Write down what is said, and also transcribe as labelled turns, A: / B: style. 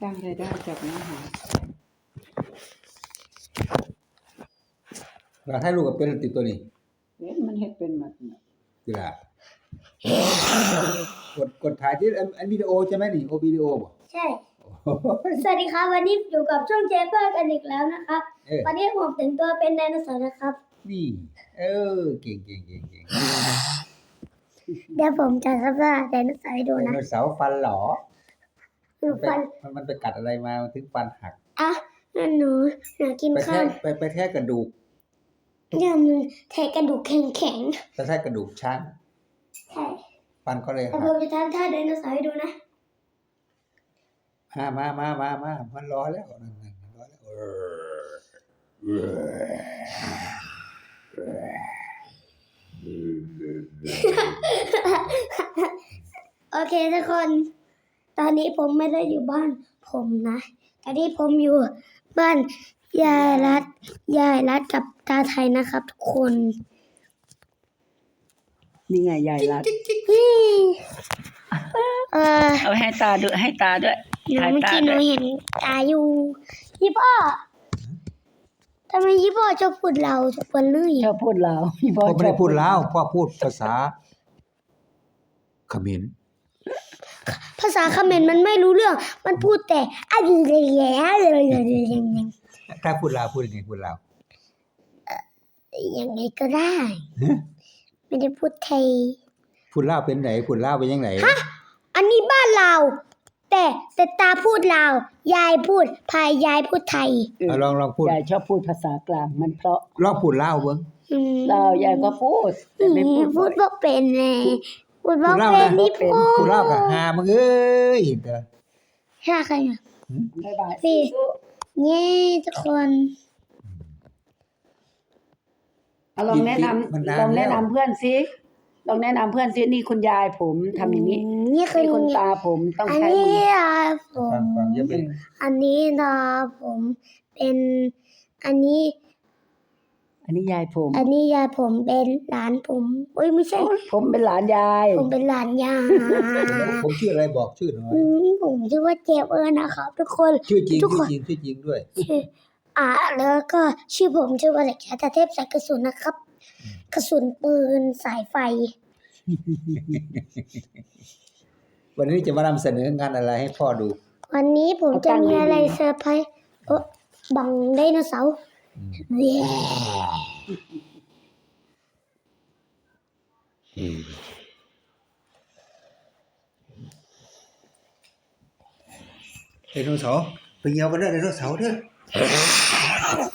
A: สร้างรายได้จากเนื้อหา
B: เราให้ลูกกับเป็นติดตัวนี้
A: มันเฮ็ดเป็นหมดน่ะ
B: กีฬากดถ่ายที่อันวิดีโอใช่ไหมนี่โอวิดีโอบ่
C: ใช่สวัสดีครับวันนี้อยู่กับช่องเจเปอร์กันอีกแล้วนะครับวันนี้ผมแต่งตัวเป็นไดโนเสาร์นะครับ
B: นี่เก่ง
C: เดี๋ยวผมจะสัมภาษณ์ไดโนเสาร์ให้ดูนะ
B: ไดโนเสาร์ฟันหรอ
C: ฟัน
B: มันไปกัดอะไรมาถึงฟันหัก
C: อ่ะนั่นหนูกินข้าว
B: ไปแทะกระดูก
C: เนี่ยมันแทะกระดูกแข็ง
B: ไปแทะกระดูกช้าง
C: ใช่
B: ฟันก็เลยหั
C: แต่
B: ก
C: ผมจะทำท่าไดโนเสาร์ให้ดูนะ
B: มามันรอแล้วนั่นรอแล้ว
C: โอเคทุกคนตอนนี้ผมไม่ได้อยู่บ้านผมนะตอนนี้ผมอยู่บ้านยายรัดกับตาไทยนะครับทุกคน
A: นี่ไงยายรัดเอาให้ตาด้วยถ่ายตาด้วย
C: เมื่อกี้หนูเห็นตาอยู่ยี่พ่อทำไมยี่พ่อชอบพูดเราทุกคนเลย
A: ชอบพูดลาว
B: พ่อไม่ได้พูดลาวพ่อพูดภาษาเขมร
C: ภาษาเขมรมันไม่รู้เรื่องมันพูดแต่อะไร
B: ถ้าพูดลาวพูดยังไงพูดลาว
C: ยังไงก็ได้ไม่ได้พูดไทย
B: พูดลาวเป็นไหนพูดลาวเป็นยังไง
C: ฮะอันนี้บ้านเราแต่ตาพูดลาวยายพูดยายพูดไทย
B: ลองพูด
A: ยายชอบพูดภาษากลางมันเพราะ
B: ลองพูดลาวเบิ่ง
A: ลาวยายก็พูดแต่ไม่
C: พูดบ่เป็นแน่พูดบ่เป็นนี่
B: พูดลาวก็หามึงเอ้ยเด้อ
C: หาใครอ่ะ
A: บ๊ายบาย
C: พี่นี่ทุกคน
A: ลองแนะนำเพื่อนซิลองแนะนำเพื่อนซินี่คุณยายผมทำอย่างนี้
C: นี่คือ
A: คุณตาผมต้องใช้
C: มืออันนี้ตาผมเป็นอันนี้
A: ยายผม
C: อันนี้ยายผมเป็นหลานผมไม่ใช่
A: ผมเป็นหลานยาย
C: ผมเป็นหลานยาย
B: ผมชื่ออะไรบอกชื่อหน่อย
C: ผมชื่อว่าเจฟนะครับทุกคน
B: ชื่อจริงด้วย
C: แล้วก็ชื่อผมชื่อว่าเด็กชายเทพสายกระสุนนะครับกระสุนปืนสายไฟ
B: วันนี้จะมานำเสนองานอะไรให้พ่อดู
C: วันนี้ผมจะมีอะไรเซอร์ไพรส์บังไดโนเสาร์
B: ไดโนเสาร์ไปเยี่ยมกันเด้อไดโนเสาร์เด้อ